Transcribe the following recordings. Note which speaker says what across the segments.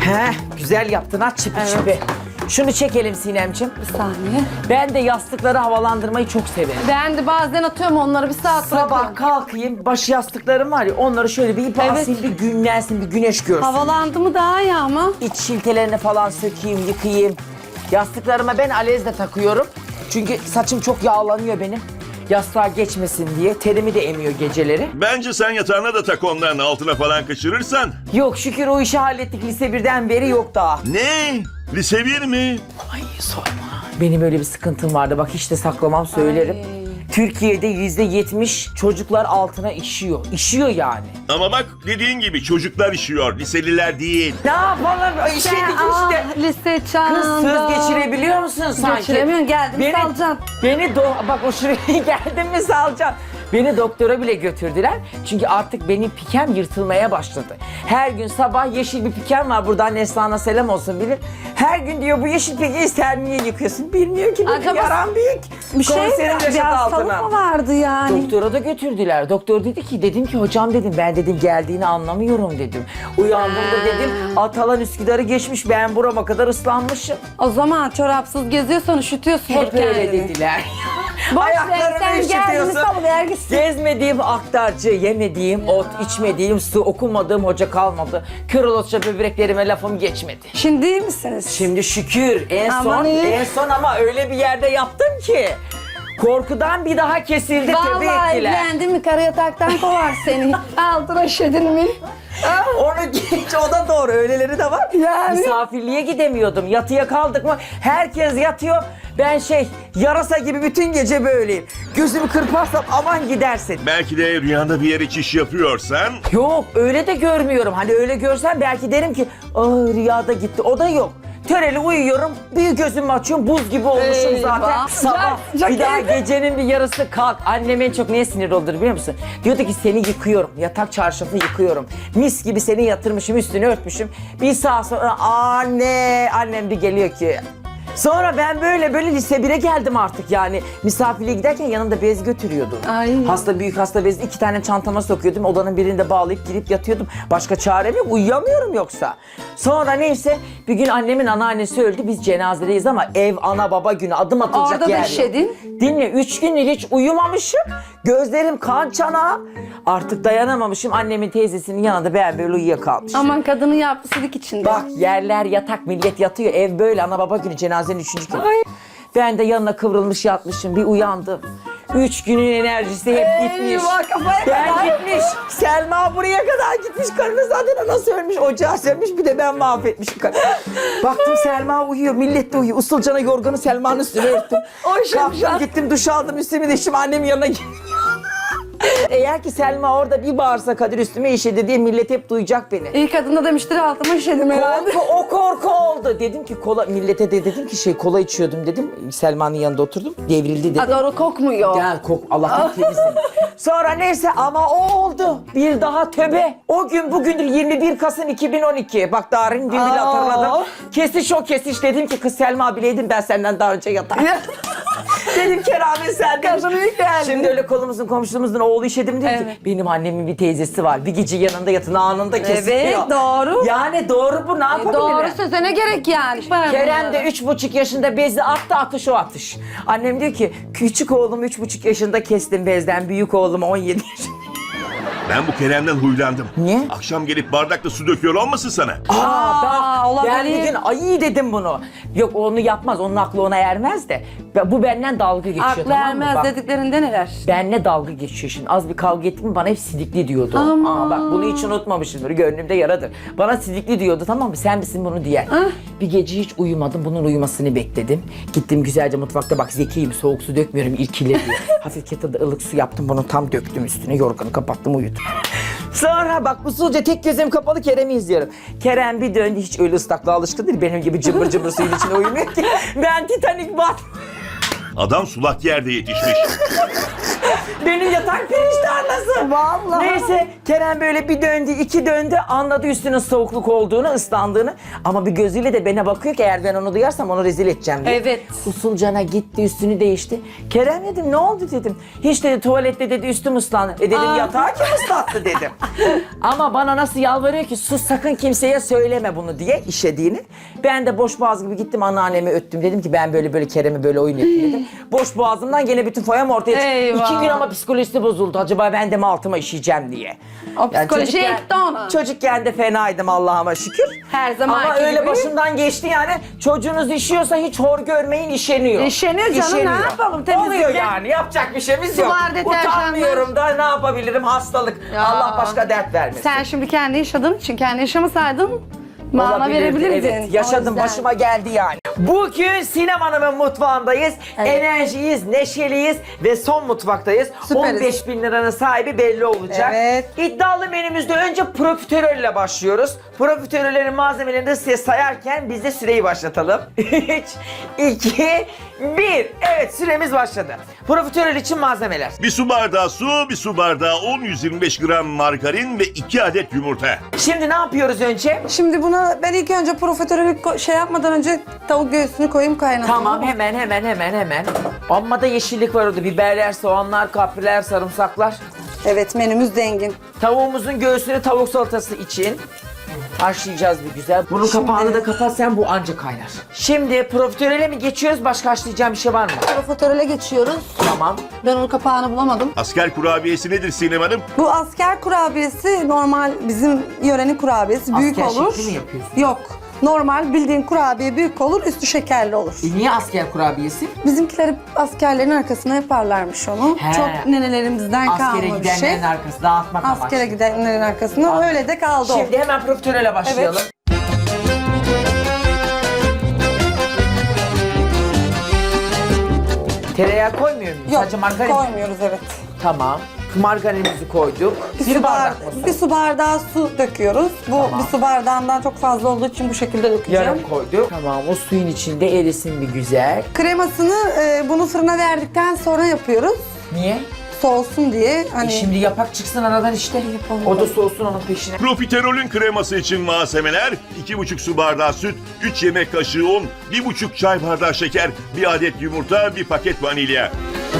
Speaker 1: Güzel yaptın ha çipi çipi. Şunu çekelim Sinemciğim.
Speaker 2: Bir saniye.
Speaker 1: Ben de yastıkları havalandırmayı çok severim.
Speaker 2: Ben de bazen atıyorum onları bir saat
Speaker 1: Sabah
Speaker 2: bırakıyorum.
Speaker 1: kalkayım, baş yastıklarım var ya onları şöyle bir ip asayım, bir günlensin, bir güneş görsün.
Speaker 2: Havalandı mı daha iyi ama.
Speaker 1: İç şiltelerini falan sökeyim, yıkayayım. Yastıklarıma ben alez de takıyorum. Çünkü saçım çok yağlanıyor benim. Yastığa geçmesin diye. Terimi de emiyor geceleri.
Speaker 3: Bence sen yatağına da tak onların altına falan kaçırırsan.
Speaker 1: Yok şükür o işi hallettik. Lise 1'den beri yok daha.
Speaker 3: Ne? Lise 1 mi?
Speaker 1: Ay sorma. Benim öyle bir sıkıntım vardı. Bak hiç de saklamam söylerim. Türkiye'de %70 çocuklar altına işiyor. İşiyor yani.
Speaker 3: Ama bak dediğin gibi çocuklar işiyor, liseliler değil.
Speaker 1: Ne yapalım? İşedik işte.
Speaker 2: Lise çağında.
Speaker 1: Kız söz geçirebiliyor musun sanki?
Speaker 2: Geçiremiyorsun, geldim salacaksın.
Speaker 1: Bak o şuraya geldim mi salacaksın. Beni doktora bile götürdüler. Çünkü artık benim pikem yırtılmaya başladı. Her gün sabah yeşil bir pikem var. Buradan Neslihan'a selam olsun bilir. Her gün diyor bu yeşil pikeyi sen niye yıkıyorsun? Bilmiyor ki benim
Speaker 2: Acaba
Speaker 1: yaram büyük.
Speaker 2: Bir şey
Speaker 1: Komiserim
Speaker 2: mi?
Speaker 1: yaşadı
Speaker 2: Bir hastalık
Speaker 1: altına.
Speaker 2: mı vardı yani?
Speaker 1: Doktora da götürdüler. Doktor dedi ki, dedim ki hocam dedim ben dedim geldiğini anlamıyorum dedim. Uyandığımda dedim Atalan Üsküdar'ı geçmiş, ben burama kadar ıslanmışım.
Speaker 2: O zaman çorapsız geziyorsan üşütüyorsun
Speaker 1: Hep öyle
Speaker 2: kendini.
Speaker 1: dediler.
Speaker 2: Boş ver,
Speaker 1: Ayaklarımı
Speaker 2: sen geldin
Speaker 1: üşütüyorsun.
Speaker 2: salıver gitsin.
Speaker 1: Gezmediğim aktarcı, yemediğim ot, içmediğim su, okumadığım hoca kalmadı. Kör olasıca böbreklerime lafım geçmedi.
Speaker 2: Şimdi iyi misiniz?
Speaker 1: Şimdi şükür
Speaker 2: Aman iyi.
Speaker 1: en son ama öyle bir yerde yaptım ki korkudan bir daha kesildi, tövbe
Speaker 2: Vallahi
Speaker 1: ettiler.
Speaker 2: evlendin mi kara yataktan kovar seni. Altına şedin mi?
Speaker 1: Onu geç, o da doğru, öyleleri de var.
Speaker 2: Yani.
Speaker 1: Misafirliğe gidemiyordum, yatıya kaldık mı herkes yatıyor. Ben yarasa gibi bütün gece böyleyim. Gözümü kırparsam aman gidersin.
Speaker 3: Belki de rüyanda bir yere çiş yapıyorsan.
Speaker 1: Yok öyle de görmüyorum. Hani öyle görsem belki derim ki rüyada gitti. O da yok. Töreli uyuyorum, bir gözümü açıyorum, buz gibi olmuşum
Speaker 2: Eyvah.
Speaker 1: zaten. Sabah bir daha gecenin bir yarısı kalk. Annem en çok neye sinir olur biliyor musun? Diyordu ki seni yıkıyorum, yatak çarşafı yıkıyorum. Mis gibi seni yatırmışım, üstünü örtmüşüm. Bir saat sonra annem bir geliyor ki... Sonra ben böyle lise 1'e geldim artık yani. Misafirliğe giderken yanımda bez götürüyordum.
Speaker 2: Ay.
Speaker 1: Büyük hasta bezi 2 tane çantama sokuyordum. Odanın birinde bağlayıp girip yatıyordum. Başka çarem yok, uyuyamıyorum yoksa. Sonra neyse bir gün annemin anneannesi öldü. Biz cenazedeyiz ama ev ana baba günü, adım atılacak
Speaker 2: Orada da
Speaker 1: yer yok.
Speaker 2: işedin.
Speaker 1: Dinle 3 gündür hiç uyumamışım. Gözlerim kan çanağı. Artık dayanamamışım. Annemin teyzesinin yanında ben böyle uyuyakalmışım.
Speaker 2: Aman kadının yapısılık içinde.
Speaker 1: Bak yerler yatak, millet yatıyor. Ev böyle ana baba günü, cenazenin 3. günü.
Speaker 2: Ay.
Speaker 1: Ben de yanına kıvrılmış yatmışım. Bir uyandım. 3 günün enerjisi hep gitmiş.
Speaker 2: Eyvah, kafaya
Speaker 1: Ben
Speaker 2: kadar.
Speaker 1: gitmiş. Selma buraya kadar gitmiş. Karını zaten nasıl ölmüş? Ocağı sönmüş, bir de ben mahvetmişim karını. Baktım Selma uyuyor. Millet de uyuyor. Usulcana yorganı Selma'nın üstüne örttüm. Kalktım gittim duş aldım. Üstümü değiştim. Annemin yanına gittim. Eğer ki Selma orada bir bağırsa Kadir üstüme işedi diye millet hep duyacak beni.
Speaker 2: İyi kadın da demiştir altıma işedim herhalde.
Speaker 1: O korku oldu. Dedim ki millete de dedim ki kola içiyordum dedim. Selma'nın yanında oturdum. Devrildi dedim.
Speaker 2: Ha, doğru kokmuyor.
Speaker 1: Gel Allah'tan temizsin. Sonra neyse ama o oldu. Bir daha töbe. O gün bugündür 21 Kasım 2012. Bak Darin gün bile hatırladım. Kesiş o kesiş. Dedim ki kız Selma bileydim ben senden daha önce yatardım. Dedim keramet sen demiş. Şimdi öyle kolumuzun komşumuzun oğlu işedim dedi ki benim annemin bir teyzesi var. Bir gece yanında yatın anında kesiliyor.
Speaker 2: Evet doğru.
Speaker 1: Yani doğru bu, ne yapabilirim?
Speaker 2: Doğru söze ne gerek yani?
Speaker 1: Kerem de 3,5 yaşında bezi attı, atış o atış. Annem diyor ki küçük oğlum 3,5 yaşında kestim bezden, büyük oğlum 17 yaşında.
Speaker 3: Ben bu Kerem'den huylandım.
Speaker 1: Niye?
Speaker 3: Akşam gelip bardakla su döküyor olmasın sana?
Speaker 1: Bak
Speaker 2: olabilir.
Speaker 1: ben bir gün ay dedim bunu. Yok onu yapmaz, onun aklı ona ermez de. Bu benden dalga geçiyor,
Speaker 2: Aklı
Speaker 1: tamam mı?
Speaker 2: ermez
Speaker 1: Bak,
Speaker 2: dediklerinde neler?
Speaker 1: benle dalga geçiyor şimdi. Az bir kavga ettim mi bana hep sidikli diyordu.
Speaker 2: Aman.
Speaker 1: Bak bunu hiç unutmamışımdır. Gönlümde yaradır. Bana sidikli diyordu, tamam mı? Sen misin bunu diyen. Bir gece hiç uyumadım. Bunun uyumasını bekledim. Gittim güzelce mutfakta, bak zekiyim, soğuk su dökmüyorum irkilir diye. Hafif kettle'da ılık su yaptım, bunu tam döktüm üstüne. Yorganı kapattım, uyudum. Sonra bak usulca tek gözüm kapalı Kerem'i izliyorum. Kerem bir döndü, hiç öyle ıslaklığa alışkın değil. Benim gibi cımbır cımbır suyun içine uyumuyor ki. Ben Titanic bat.
Speaker 3: Adam sulak yerde yetişmiş.
Speaker 1: Benim yatak pirinç tarlası.
Speaker 2: Vallahi.
Speaker 1: Neyse Kerem böyle bir döndü, iki döndü. Anladı üstünün soğukluk olduğunu, ıslandığını. Ama bir gözüyle de bana bakıyor ki eğer ben onu duyarsam onu rezil edeceğim diye.
Speaker 2: Evet.
Speaker 1: Usulcana gitti, üstünü değişti. Kerem dedim ne oldu dedim. Hiç dedi tuvalette dedi üstüm ıslandı. Dedim yatağı kim ıslattı dedim. Ama bana nasıl yalvarıyor ki sus sakın kimseye söyleme bunu diye işediğini. Ben de boş boğaz gibi gittim anneannemi öttüm. Dedim ki ben böyle Kerem'e böyle oyun yapayım dedim. Boş boğazımdan gene bütün foyam ortaya çıktı.
Speaker 2: Eyvah.
Speaker 1: 2 gün ama psikolojisi bozuldu. Acaba ben de mi altıma işeyeceğim diye.
Speaker 2: O psikoloji
Speaker 1: çocukken-
Speaker 2: etti ona.
Speaker 1: Çocukken de fenaydım Allah'ıma şükür.
Speaker 2: Her zamanki
Speaker 1: Ama öyle
Speaker 2: gibi.
Speaker 1: başımdan geçti yani. Çocuğunuz işiyorsa hiç hor görmeyin işeniyor.
Speaker 2: İşeniyor canım, ne yapalım, temizlikle.
Speaker 1: Oluyor yani yapacak bir şeyimiz yok.
Speaker 2: Sular, deterjanlar.
Speaker 1: Utanmıyorum da ne yapabilirim hastalık.
Speaker 2: Ya.
Speaker 1: Allah başka dert vermesin.
Speaker 2: Sen şimdi kendi yaşadığın için kendi yaşamasaydın mana
Speaker 1: Olabilirdi,
Speaker 2: verebilirdin.
Speaker 1: evet. Yaşadım,
Speaker 2: O yüzden.
Speaker 1: başıma geldi yani. Bugün Sinem Hanım'ın mutfağındayız.
Speaker 2: Evet.
Speaker 1: Enerjiyiz, neşeliyiz ve son mutfaktayız.
Speaker 2: Süperiz.
Speaker 1: 15 bin liranın sahibi belli olacak.
Speaker 2: Evet.
Speaker 1: İddialı menümüzde önce profiterol ile başlıyoruz. Profiterollerin malzemelerini de size sayarken biz de süreyi başlatalım. 3, 2, 1. Evet süremiz başladı. Profiterol için malzemeler.
Speaker 3: Bir su bardağı su, bir su bardağı un, 125 gram margarin ve 2 adet yumurta.
Speaker 1: Şimdi ne yapıyoruz önce?
Speaker 2: Şimdi buna ben ilk önce profiterolü şey yapmadan önce tavuk göğsünü koyayım kaynatayım.
Speaker 1: Tamam hemen. Amma da yeşillik var orada. Biberler, soğanlar, kapriler, sarımsaklar.
Speaker 2: Evet, menümüz zengin.
Speaker 1: Tavuğumuzun göğsünü tavuk salatası için haşlayacağız bir güzel. Bunun kapağını da kapat sen bu anca kaynar. Şimdi profiterole mi geçiyoruz? Başka haşlayacağım bir şey var mı?
Speaker 2: Profiterole geçiyoruz.
Speaker 1: Tamam.
Speaker 2: Ben onun kapağını bulamadım.
Speaker 3: Asker kurabiyesi nedir Sinem Hanım?
Speaker 2: Bu asker kurabiyesi normal bizim yörenin kurabiyesi. Büyük
Speaker 1: Asker
Speaker 2: olur.
Speaker 1: şekli mi yapıyorsun?
Speaker 2: Yok. Normal bildiğin kurabiye büyük olur, üstü şekerli olur.
Speaker 1: Niye asker kurabiyesi?
Speaker 2: Bizimkiler askerlerin arkasına yaparlarmış onu.
Speaker 1: He.
Speaker 2: Çok nenelerimizden
Speaker 1: Askere
Speaker 2: kalma bir
Speaker 1: gidenlerin
Speaker 2: şey.
Speaker 1: arkası dağıtmak amaçlı.
Speaker 2: Askere gidenlerin arkasına öyle de kaldı o.
Speaker 1: Şimdi hemen profiterole başlayalım.
Speaker 2: Evet.
Speaker 1: Tereyağı koymuyor muyuz?
Speaker 2: Yok,
Speaker 1: Sadece margarin.
Speaker 2: koymuyoruz, evet.
Speaker 1: Tamam. Margarinimizi koyduk. Bir bardak mı su?
Speaker 2: Bir su bardağı su döküyoruz. Bu
Speaker 1: Tamam.
Speaker 2: bir su bardağından çok fazla olduğu için bu şekilde dökeceğim.
Speaker 1: Yarım koyduk. Tamam o suyun içinde erisin bir güzel.
Speaker 2: Kremasını bunu fırına verdikten sonra yapıyoruz.
Speaker 1: Niye?
Speaker 2: Soğusun diye. Hani
Speaker 1: Şimdi yapak çıksın aradan işte.
Speaker 2: Yapalım.
Speaker 1: O da soğusun onun peşine.
Speaker 3: Profiterolün kreması için malzemeler 2,5 su bardağı süt, 3 yemek kaşığı un, 1,5 çay bardağı şeker, 1 adet yumurta, 1 paket vanilya.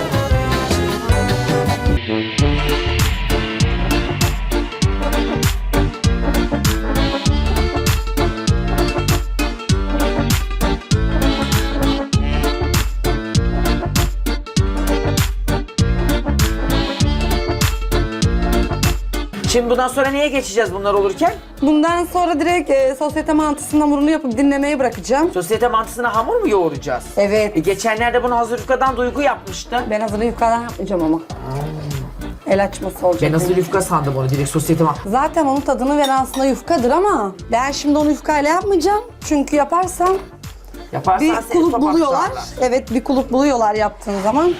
Speaker 1: Şimdi bundan sonra neye geçeceğiz bunlar olurken?
Speaker 2: bundan sonra direkt sosyete mantısının hamurunu yapıp dinlemeye bırakacağım.
Speaker 1: Sosyete mantısına hamur mu yoğuracağız?
Speaker 2: Evet.
Speaker 1: Geçenlerde bunu hazır yufkadan Duygu yapmıştı.
Speaker 2: Ben hazırı yufkadan yapmayacağım ama. El açması olacak.
Speaker 1: Ben hazır yufka sandım onu direkt sosyete mantısı.
Speaker 2: Zaten onun tadını veren aslında yufkadır ama ben şimdi onu yufkayla yapmayacağım. Çünkü yaparsam
Speaker 1: Yaparsan
Speaker 2: bir
Speaker 1: seni
Speaker 2: kulüp
Speaker 1: papatlarlar.
Speaker 2: buluyorlar. Evet, bir kulüp buluyorlar yaptığın zaman.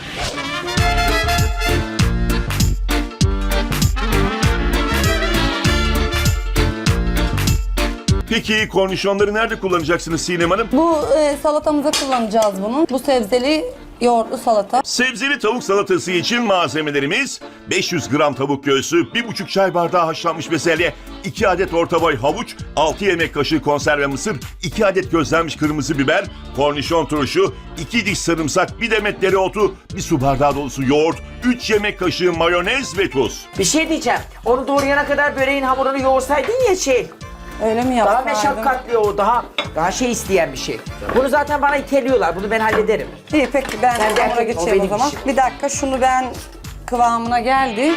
Speaker 3: Peki kornişonları nerede kullanacaksınız Sinem Hanım?
Speaker 2: Bu salatamıza kullanacağız bunu. Bu sebzeli yoğurtlu salata.
Speaker 3: Sebzeli tavuk salatası için malzemelerimiz 500 gram tavuk göğsü, 1,5 çay bardağı haşlanmış bezelye, 2 adet orta boy havuç, 6 yemek kaşığı konserve mısır, 2 adet közlenmiş kırmızı biber, kornişon turşu, 2 diş sarımsak, 1 demet dereotu, 1 su bardağı dolusu yoğurt, 3 yemek kaşığı mayonez ve tuz.
Speaker 1: Bir şey diyeceğim. Onu doğrayana kadar böreğin hamurunu yoğursaydın ya
Speaker 2: Öyle mi
Speaker 1: Daha
Speaker 2: yapsaydım?
Speaker 1: meşakkatli o, daha şey isteyen bir şey. Bunu zaten bana iteliyorlar, bunu ben hallederim.
Speaker 2: İyi, peki ben
Speaker 1: Sen de
Speaker 2: hamura
Speaker 1: erkek ol,
Speaker 2: geçeyim o
Speaker 1: benim
Speaker 2: zaman.
Speaker 1: işim.
Speaker 2: Bir dakika, şunu ben kıvamına geldi.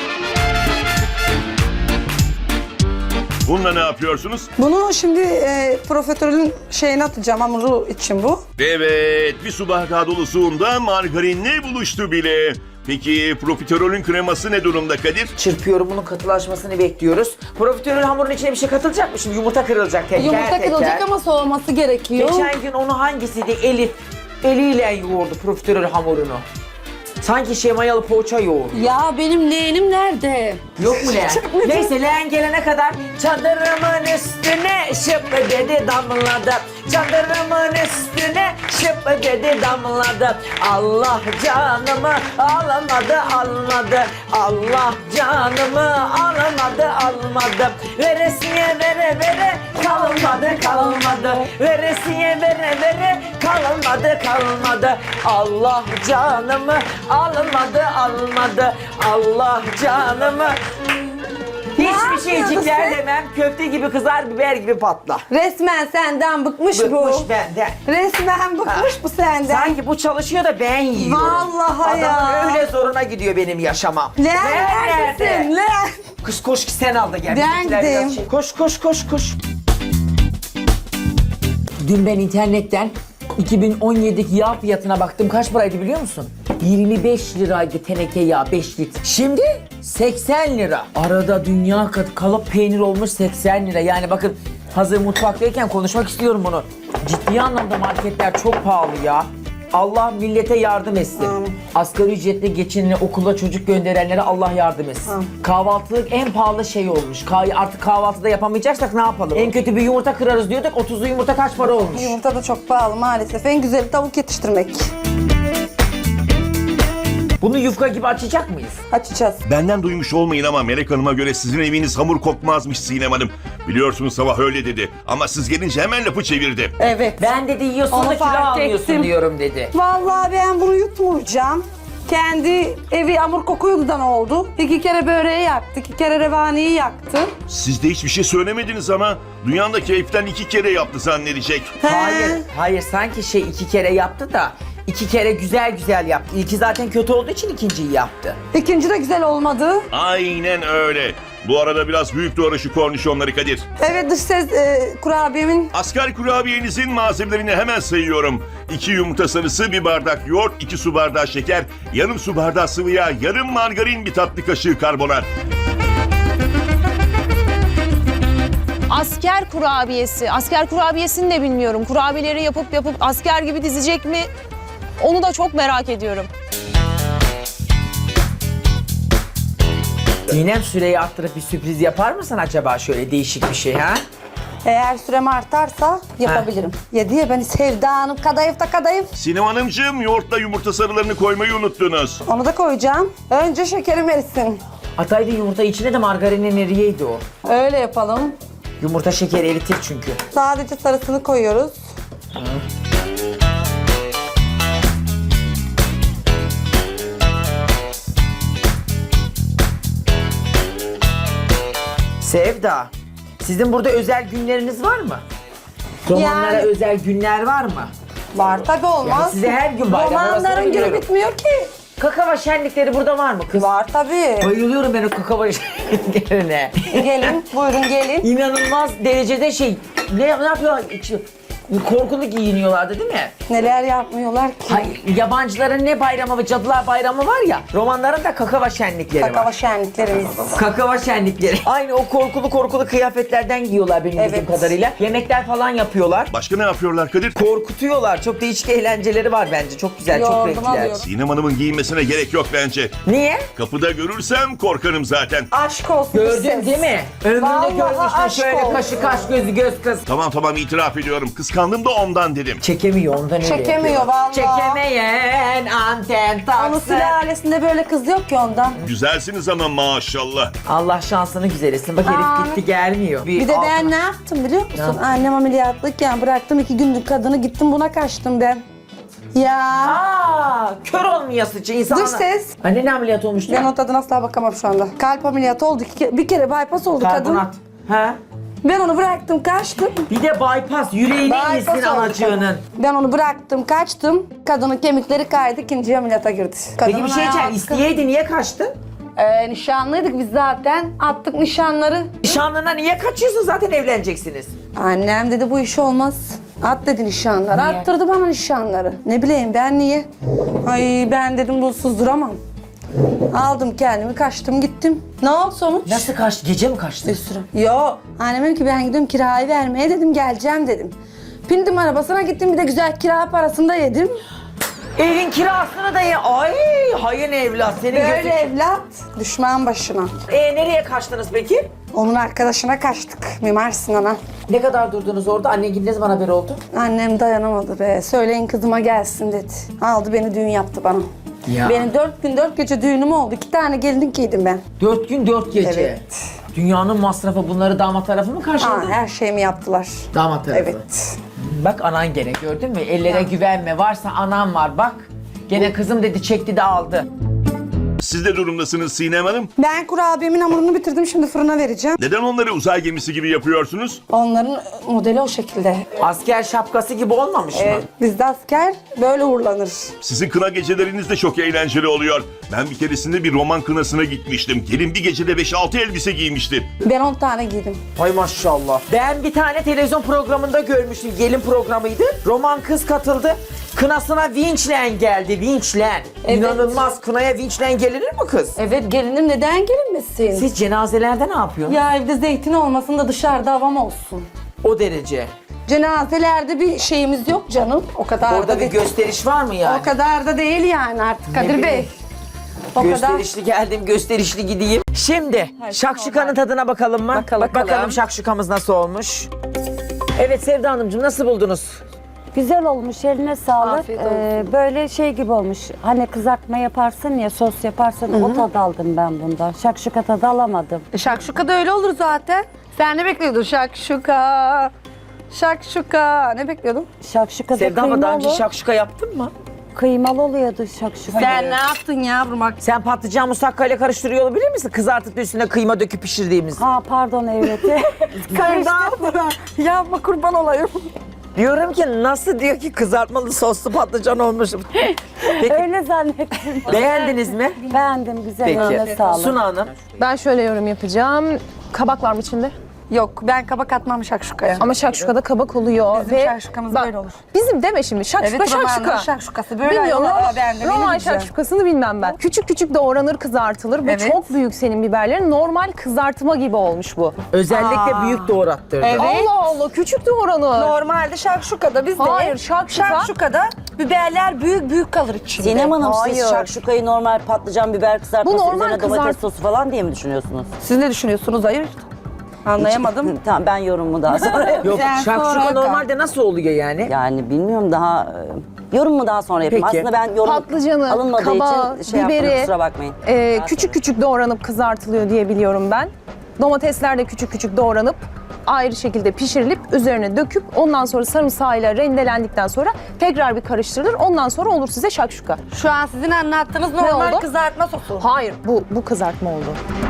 Speaker 3: Bununla ne yapıyorsunuz?
Speaker 2: Bunu şimdi profiterolün şeyine atacağım, hamuru için bu.
Speaker 3: Evet, 1 su bardağı dolusu unda margarinle buluştu bile. Peki profiterolün kreması ne durumda Kadir?
Speaker 1: Çırpıyorum, bunun katılaşmasını bekliyoruz. Profiterol hamurun içine bir şey katılacak mı şimdi? Yumurta kırılacak teker
Speaker 2: Yumurta kırılacak ama soğuması gerekiyor.
Speaker 1: Geçen gün onu hangisiydi? Elif eliyle yoğurdu profiterol hamurunu. Sanki mayalı poğaça yoğur.
Speaker 2: Ya benim leğenim nerede?
Speaker 1: Yok mu leğen? Neyse leğen gelene kadar çadırımın üstüne şıp dedi damladı. Çadırımın üstüne şıp dedi damladı. Allah canımı almadı almadı. Allah canımı almadı almadı. Veresiye vere vere kalmadı kalmadı. Veresiye vere vere kalmadı kalmadı. Allah canımı almadı almadı. Allah canımı. Hiçbir şeycikler
Speaker 2: yapıyorsun?
Speaker 1: demem. Köfte gibi kızar, biber gibi patla.
Speaker 2: Resmen senden bıkmış,
Speaker 1: Bıkmış
Speaker 2: bu.
Speaker 1: benden.
Speaker 2: Resmen bıkmış bu senden.
Speaker 1: Sanki bu çalışıyor da ben yiyorum.
Speaker 2: Vallahi ya.
Speaker 1: Adamın öyle zoruna gidiyor benim yaşamam.
Speaker 2: Leğen
Speaker 1: Leğen
Speaker 2: neredesin?
Speaker 1: nerede?
Speaker 2: Leğen.
Speaker 1: Kız koş ki sen al da gel.
Speaker 2: Ben
Speaker 1: Bizimkiler biraz
Speaker 2: gideyim.
Speaker 1: Koş koş koş koş. Dün ben internetten 2017'deki yağ fiyatına baktım. Kaç paraydı biliyor musun? 25 liraydı teneke yağ 5 litre. Şimdi 80 lira. Arada dünya kalıp peynir olmuş 80 lira. Yani bakın hazır mutfaktayken konuşmak istiyorum bunu. Ciddi anlamda marketler çok pahalı ya. Allah millete yardım etsin. Asgari ücretle geçinene, okula çocuk gönderenlere Allah yardım etsin. Kahvaltılık en pahalı şey olmuş. Artık kahvaltıda yapamayacaksak ne yapalım? En kötü bir yumurta kırarız diyorduk. 30'lu yumurta kaç para olmuş?
Speaker 2: Yumurta da çok pahalı maalesef. En güzeli tavuk yetiştirmek.
Speaker 1: Bunu yufka gibi açacak mıyız?
Speaker 2: Açacağız.
Speaker 3: Benden duymuş olmayın ama Melek Hanım'a göre sizin eviniz hamur kokmazmış Sinem Hanım. Biliyorsunuz sabah öyle dedi ama siz gelince hemen lafı çevirdi.
Speaker 2: Evet.
Speaker 1: Ben dedi yiyorsun
Speaker 2: Onu
Speaker 1: da kilo
Speaker 2: fark
Speaker 1: almıyorsun
Speaker 2: ettim.
Speaker 1: diyorum dedi.
Speaker 2: Vallahi ben bunu yutmayacağım. Kendi evi hamur kokuyudan oldu. 2 kere böreği yaktı, 2 kere revaniyi yaktı.
Speaker 3: Siz de hiçbir şey söylemediniz ama dünyanın da keyiften 2 kere yaptı zannedecek.
Speaker 1: Hayır sanki 2 kere yaptı da 2 kere güzel güzel yaptı. İlki zaten kötü olduğu için ikinciyi yaptı.
Speaker 2: İkinci de güzel olmadı.
Speaker 3: Aynen öyle. Bu arada biraz büyük doğru şu kornişonları Kadir.
Speaker 2: Evet dış ses kurabiyemin
Speaker 3: Asgari kurabiyenizin malzemelerini hemen sayıyorum. 2 yumurta sarısı, 1 bardak yoğurt, 2 su bardağı şeker, yarım su bardağı sıvı yağ, yarım margarin, 1 tatlı kaşığı karbonat.
Speaker 4: Asker kurabiyesi. Asker kurabiyesini de bilmiyorum. Kurabiyeleri yapıp asker gibi dizecek mi? Onu da çok merak ediyorum.
Speaker 1: Sinem süreyi arttırıp bir sürpriz yapar mısın acaba şöyle değişik bir şey ha?
Speaker 2: eğer sürem artarsa yapabilirim. Yediye beni Sevda Hanım kadayıf da kadayıf.
Speaker 3: Sinem Hanımcığım yoğurtla yumurta sarılarını koymayı unuttunuz.
Speaker 2: Onu da koyacağım. Önce şekerim erisin.
Speaker 1: Ataydı yumurta içine de margarinin eriyeydi o.
Speaker 2: Öyle yapalım.
Speaker 1: Yumurta şekeri eritir çünkü.
Speaker 2: Sadece sarısını koyuyoruz.
Speaker 1: Sevda, sizin burada özel günleriniz var mı? Romanlara
Speaker 2: Yani-
Speaker 1: özel günler var mı?
Speaker 2: Var tabii olmaz.
Speaker 1: Yani size her gün bayram, orasını
Speaker 2: Romanların günü
Speaker 1: biliyorum.
Speaker 2: bitmiyor ki.
Speaker 1: Kakava şenlikleri burada var mı kız?
Speaker 2: Var tabii.
Speaker 1: Bayılıyorum ben o kakava şenliklerine.
Speaker 2: Gelin, buyurun gelin.
Speaker 1: İnanılmaz derecede ne yapıyorlar? Korkulu giyiniyorlardı değil mi?
Speaker 2: Neler yapmıyorlar ki.
Speaker 1: Hayır, yabancıların ne bayramı ve cadılar bayramı var ya, romanların da kakava şenlikleri
Speaker 2: Kakava
Speaker 1: var.
Speaker 2: şenliklerimiz.
Speaker 1: Kakava şenlikleri. Aynı o korkulu kıyafetlerden giyiyorlar benim bildiğim
Speaker 2: Evet.
Speaker 1: kadarıyla. Yemekler falan yapıyorlar.
Speaker 3: Başka ne yapıyorlar Kadir?
Speaker 1: Korkutuyorlar. Çok değişik eğlenceleri var bence. Çok güzel, çok
Speaker 2: Yoğurdum
Speaker 1: renkliler.
Speaker 2: alıyorum.
Speaker 3: Sinem Hanım'ın giyinmesine gerek yok bence.
Speaker 1: Niye?
Speaker 3: Kapıda görürsem korkarım zaten.
Speaker 2: Aşk olsun.
Speaker 1: Gördün
Speaker 2: ses.
Speaker 1: değil mi? Ömrümde
Speaker 2: Vallahi
Speaker 1: görmüştüm
Speaker 2: aşk
Speaker 1: şöyle
Speaker 2: olsun.
Speaker 1: kaşı kaş gözü göz kız.
Speaker 3: Tamam itiraf ediyorum. Kıskandım da ondan dedim.
Speaker 1: Çekemiyor ondan öyle
Speaker 2: Çekemiyor
Speaker 1: yapıyor.
Speaker 2: vallahi.
Speaker 1: Çekemeyen anten
Speaker 2: Onun
Speaker 1: taksın.
Speaker 2: sülalesinde böyle kız yok ki ondan.
Speaker 3: Güzelsiniz ama maşallah.
Speaker 1: Allah şansını güzel etsin. Bak herif
Speaker 2: Amin.
Speaker 1: gitti gelmiyor.
Speaker 2: Bir de ben ne yaptım biliyor musun?
Speaker 1: yaptın?
Speaker 2: Annem ameliyatlıkken bıraktım 2 günlük kadını gittim buna kaçtım ben. Ya.
Speaker 1: Aa, kör olmayasıcı insanlar.
Speaker 2: Dış ses.
Speaker 1: Anne ne ameliyat olmuştu?
Speaker 2: Ben o tadına asla bakamam şu anda. Kalp ameliyatı oldu. Bir kere bypass oldu kadın.
Speaker 1: Karbonat. Ha?
Speaker 2: Ben onu bıraktım kaçtım.
Speaker 1: Bir de bypass. Yüreğine
Speaker 2: Bypass
Speaker 1: insin
Speaker 2: oldu
Speaker 1: anacığının.
Speaker 2: kadın. Ben onu bıraktım kaçtım. Kadının kemikleri kaydı, ikinci ameliyata girdi.
Speaker 1: Peki
Speaker 2: Kadının
Speaker 1: bir şey diyeceğim.
Speaker 2: ayağı-
Speaker 1: İsteyeydi niye kaçtın?
Speaker 2: Nişanlıydık biz zaten. Attık nişanları.
Speaker 1: Nişanlına niye kaçıyorsun? Zaten evleneceksiniz.
Speaker 2: Annem dedi bu iş olmaz. At dedi nişanları.
Speaker 1: Niye?
Speaker 2: Attırdı bana nişanları. Ne bileyim ben niye? Ay ben dedim bu susduramam. Aldım kendimi kaçtım gittim. Ne oldu sonuç?
Speaker 1: Nasıl kaçtı? Gece mi kaçtı?
Speaker 2: Bir sürü. Yo. Annem dedi ki ben gidiyorum kirayı vermeye dedim geleceğim dedim. Bindim arabasına gittim bir de güzel kira parasını da yedim.
Speaker 1: Evin kirasını da ye. Ay hayır evlat senin
Speaker 2: Böyle
Speaker 1: gözün.
Speaker 2: evlat düşman başına.
Speaker 1: Nereye kaçtınız peki?
Speaker 2: Onun arkadaşına kaçtık Mimar Sinan'a.
Speaker 1: Ne kadar durdunuz orada? Annen ne zaman haber oldu?
Speaker 2: Annem dayanamadı be. Söyleyin kızıma gelsin dedi. Aldı beni düğün yaptı bana.
Speaker 1: Ya.
Speaker 2: Benim 4 gün 4 gece düğünüm oldu. 2 tane gelinlik giydim ben.
Speaker 1: 4 gün 4 gece.
Speaker 2: Evet.
Speaker 1: Dünyanın masrafı bunları damat tarafı mı karşıladı?
Speaker 2: Her şeyimi yaptılar.
Speaker 1: Damat tarafı.
Speaker 2: Evet.
Speaker 1: Bak anan gene gördün mü? Ellere güvenme. Varsa anam var bak. Gene kızım dedi çekti de aldı.
Speaker 3: Siz de durumdasınız Sinem Hanım.
Speaker 2: Ben kurabiyemin hamurunu bitirdim. Şimdi fırına vereceğim.
Speaker 3: Neden onları uzay gemisi gibi yapıyorsunuz?
Speaker 2: Onların modeli o şekilde.
Speaker 1: Asker şapkası gibi olmamış mı?
Speaker 2: Bizde asker böyle uğurlanır.
Speaker 3: Sizin kına geceleriniz de çok eğlenceli oluyor. Ben bir keresinde bir roman kınasına gitmiştim. Gelin bir gecede 5-6 elbise giymişti.
Speaker 2: Ben 10 tane giydim.
Speaker 1: Ay maşallah. Ben bir tane televizyon programında görmüştüm. Gelin programıydı. Roman kız katıldı. Kınasına vinçlen geldi. Vinçlen.
Speaker 2: Evet.
Speaker 1: İnanılmaz. Kınaya vinçlen gelinir mi kız?
Speaker 2: Evet gelinim neden gelinmesin?
Speaker 1: Siz cenazelerde ne yapıyorsunuz?
Speaker 2: Ya evde zeytin olmasın da dışarıda havam olsun.
Speaker 1: O derece.
Speaker 2: Cenazelerde bir şeyimiz yok canım. O kadar
Speaker 1: Orada
Speaker 2: da
Speaker 1: bir
Speaker 2: değil.
Speaker 1: gösteriş var mı yani?
Speaker 2: O kadar da değil yani artık Kadir
Speaker 1: bileyim.
Speaker 2: Bey. O kadar.
Speaker 1: Gösterişli geldim, gösterişli gideyim. Şimdi şakşukanın tadına bakalım mı? Bakalım şakşukamız nasıl olmuş. Evet Sevda Hanımcığım nasıl buldunuz?
Speaker 5: Güzel olmuş, eline sağlık.
Speaker 2: Afiyet olsun.
Speaker 5: Böyle şey gibi olmuş. Hani kızartma yaparsın ya, sos yaparsın. O tadı aldım ben bundan. Şakşuka tadı alamadım.
Speaker 2: Şakşuka da öyle olur zaten. Sen ne bekliyordun? Şakşuka. Şakşuka. Ne bekliyordun?
Speaker 5: Şakşuka da
Speaker 1: Sevda ama daha önce
Speaker 5: kıymalı.
Speaker 1: şakşuka yaptın mı?
Speaker 5: Kıymalı oluyordu şakşuka.
Speaker 2: Sen ne yaptın yavrum? Bak.
Speaker 1: Sen patlıcan musakkayla karıştırıyor olabilir misin? Kızartıp da üstüne kıyma döküp pişirdiğimiz.
Speaker 5: Ha pardon evet.
Speaker 2: Sen ne yaptın? Yapma kurban olayım.
Speaker 1: Diyorum ki nasıl diyor ki kızartmalı soslu patlıcan olmuş. Peki
Speaker 5: Öyle zannettim.
Speaker 1: beğendiniz mi?
Speaker 5: Beğendim, güzel. Eline
Speaker 1: Peki.
Speaker 5: sağlık.
Speaker 1: Suna Hanım.
Speaker 4: Ben şöyle yorum yapacağım. Kabak var mı içinde?
Speaker 2: Yok ben kabak atmam şakşukaya.
Speaker 4: Ama şakşukada kabak oluyor.
Speaker 2: Bizim şakşukamız böyle olur.
Speaker 4: Bizim deme şimdi. Şakşuka
Speaker 2: Evet, romanın
Speaker 4: şakşuka.
Speaker 2: şakşukası böyle
Speaker 4: Bilmiyorum
Speaker 2: olur.
Speaker 4: ama
Speaker 2: Ben de
Speaker 4: roman
Speaker 2: bileceğim.
Speaker 4: şakşukasını bilmem ben. Küçük küçük doğranır, kızartılır ve
Speaker 2: Evet.
Speaker 4: çok büyük senin biberlerin. Normal kızartma gibi olmuş bu.
Speaker 1: Özellikle büyük doğrattırdı.
Speaker 2: Evet.
Speaker 4: Allah Allah küçük doğranır.
Speaker 2: Normalde şakşukada bizde
Speaker 4: Hayır, şakşuka-
Speaker 2: şakşukada biberler büyük büyük kalır içinde.
Speaker 6: Sinem Hanım siz
Speaker 4: Hayır.
Speaker 6: şakşukayı normal patlıcan biber kızartması
Speaker 4: Bu normal
Speaker 6: üzerine domates
Speaker 4: kızart-
Speaker 6: sosu falan diye mi düşünüyorsunuz?
Speaker 2: Siz ne düşünüyorsunuz? Hayır. Anlayamadım.
Speaker 6: Tamam ben yorumumu daha sonra yapayım.
Speaker 1: Yok
Speaker 2: Sen
Speaker 1: şakşuka
Speaker 2: sonra
Speaker 1: normalde nasıl oluyor yani?
Speaker 6: Yani bilmiyorum daha yorumumu daha sonra yapayım.
Speaker 1: Peki.
Speaker 6: Aslında ben yorum
Speaker 4: Patlıcanı,
Speaker 6: alınmadığı
Speaker 4: kabağı,
Speaker 6: için şey yaptım
Speaker 4: biberi,
Speaker 6: kusura bakmayın.
Speaker 4: Küçük küçük doğranıp kızartılıyor diye biliyorum ben. Domatesler de küçük küçük doğranıp ayrı şekilde pişirilip üzerine döküp ondan sonra sarımsağıyla rendelendikten sonra tekrar bir karıştırılır. Ondan sonra olur size şakşuka.
Speaker 2: Şu an sizin anlattığınız normal
Speaker 4: oldu?
Speaker 2: kızartma sosu.
Speaker 4: Hayır bu kızartma oldu.